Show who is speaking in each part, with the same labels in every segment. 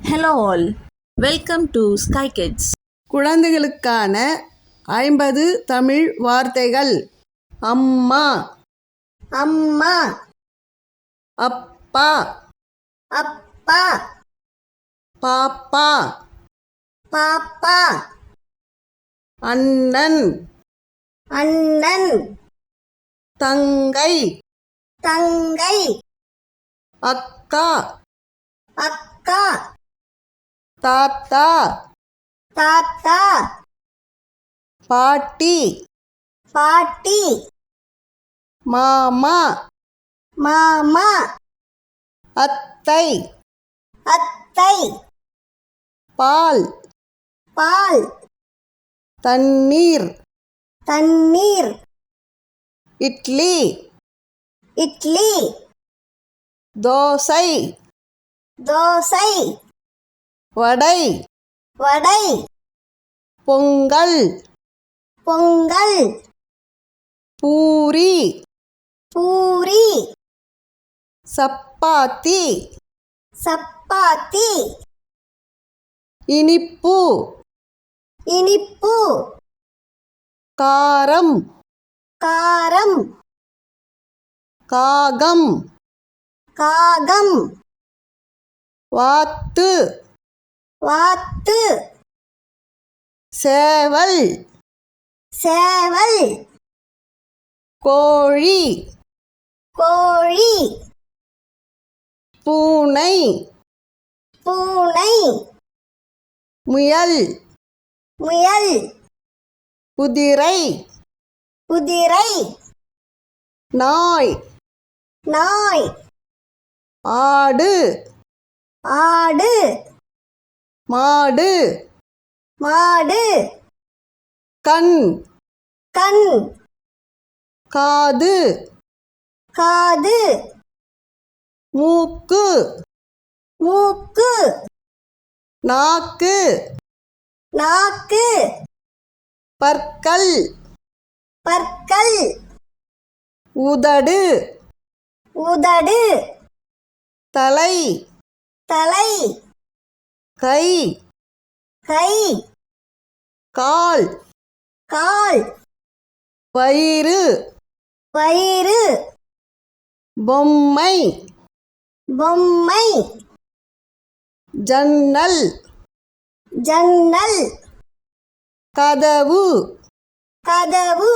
Speaker 1: Hello all, welcome to Sky Kids.
Speaker 2: குழந்தைகளுக்கான 50 தமிழ் வார்த்தைகள். அம்மா,
Speaker 3: அம்மா,
Speaker 2: அப்பா,
Speaker 3: அப்பா,
Speaker 2: பாப்பா,
Speaker 3: பாப்பா,
Speaker 2: அண்ணன்,
Speaker 3: அண்ணன்,
Speaker 2: தங்கை,
Speaker 3: தங்கை,
Speaker 2: அக்கா,
Speaker 3: அக்கா,
Speaker 2: தாத்தா,
Speaker 3: தாத்தா,
Speaker 2: பாட்டி,
Speaker 3: பாட்டி,
Speaker 2: மாமா,
Speaker 3: மாமா,
Speaker 2: அத்தை,
Speaker 3: அத்தை,
Speaker 2: பால்,
Speaker 3: பால்,
Speaker 2: தண்ணீர்,
Speaker 3: தண்ணீர்,
Speaker 2: இட்லி,
Speaker 3: இட்லி,
Speaker 2: தோசை,
Speaker 3: தோசை,
Speaker 2: வடை,
Speaker 3: வடை,
Speaker 2: பொங்கல்,
Speaker 3: பொங்கல்,
Speaker 2: பூரி,
Speaker 3: பூரி,
Speaker 2: சப்பாத்தி,
Speaker 3: சப்பாத்தி,
Speaker 2: இனிப்பு,
Speaker 3: இனிப்பு,
Speaker 2: காரம்,
Speaker 3: காரம்,
Speaker 2: காகம்,
Speaker 3: காகம்,
Speaker 2: வாத்து,
Speaker 3: வாத்து,
Speaker 2: சேவல்,
Speaker 3: சேவல்,
Speaker 2: கோழி,
Speaker 3: கோழி,
Speaker 2: பூனை,
Speaker 3: பூனை,
Speaker 2: முயல்,
Speaker 3: முயல்,
Speaker 2: குதிரை,
Speaker 3: குதிரை,
Speaker 2: நாய்,
Speaker 3: நாய்,
Speaker 2: ஆடு,
Speaker 3: ஆடு,
Speaker 2: மாடு,
Speaker 3: மாடு,
Speaker 2: கண்,
Speaker 3: கண்,
Speaker 2: காது,
Speaker 3: காது,
Speaker 2: மூக்கு,
Speaker 3: மூக்கு,
Speaker 2: நாக்கு,
Speaker 3: நாக்கு,
Speaker 2: பற்கள்,
Speaker 3: பற்கள்,
Speaker 2: உதடு,
Speaker 3: உதடு,
Speaker 2: தலை,
Speaker 3: தலை,
Speaker 2: கை,
Speaker 3: கை,
Speaker 2: கால்,
Speaker 3: கால்,
Speaker 2: வயிறு,
Speaker 3: வயிறு,
Speaker 2: பொம்மை,
Speaker 3: பொம்மை,
Speaker 2: ஜன்னல்,
Speaker 3: ஜன்னல்,
Speaker 2: கதவு,
Speaker 3: கதவு,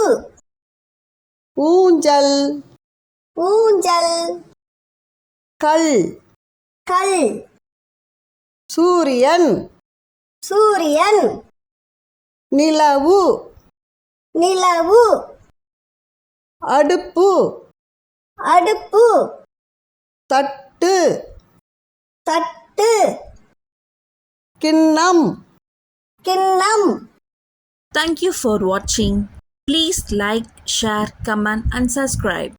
Speaker 2: ஊஞ்சல்,
Speaker 3: ஊஞ்சல்,
Speaker 2: கல்,
Speaker 3: கல்,
Speaker 2: சூரியன்,
Speaker 3: சூரியன்,
Speaker 2: நிலவு,
Speaker 3: நிலவு,
Speaker 2: அடுப்பு,
Speaker 3: அடுப்பு,
Speaker 2: தட்டு,
Speaker 3: தட்டு,
Speaker 2: கிண்ணம்.
Speaker 3: கிண்ணம்.
Speaker 1: Thank you for watching. Please like, share, comment and subscribe.